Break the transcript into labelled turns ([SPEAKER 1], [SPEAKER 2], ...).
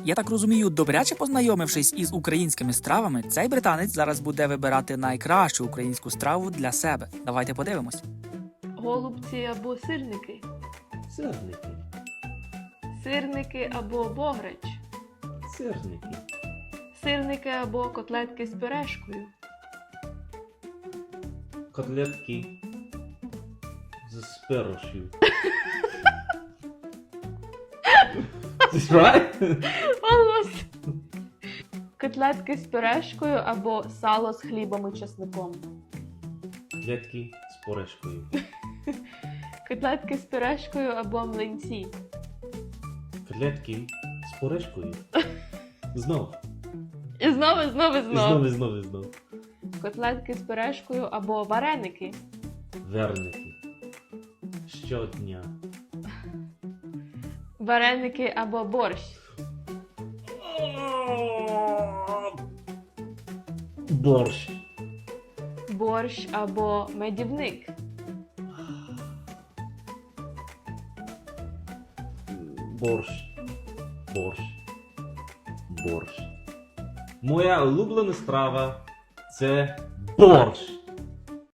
[SPEAKER 1] Я так розумію, добряче познайомившись із українськими стравами, цей британець зараз буде вибирати найкращу українську страву для себе. Давайте подивимось.
[SPEAKER 2] Голубці або сирники.
[SPEAKER 3] Сирники.
[SPEAKER 2] Сирники або бограч.
[SPEAKER 3] Сирники.
[SPEAKER 2] Сирники або котлетки з пюрешкою.
[SPEAKER 3] Котлетки з пюрешкою. This right?
[SPEAKER 2] Almost. Котлетки з пюрешкою або сало з хлібом і чесником.
[SPEAKER 3] Котлетки з пюрешкою.
[SPEAKER 2] Котлетки з пюрешкою або млинці.
[SPEAKER 3] Котлетки з пюрешкою. Знов.
[SPEAKER 2] І знову, і знову, і знову.
[SPEAKER 3] Знов.
[SPEAKER 2] Котлетки з пюрешкою або вареники.
[SPEAKER 3] Верники. Щодня.
[SPEAKER 2] Вареники або борщ.
[SPEAKER 3] Борщ.
[SPEAKER 2] Борщ або медівник.
[SPEAKER 3] Борщ. Моя улюблена страва – це борщ.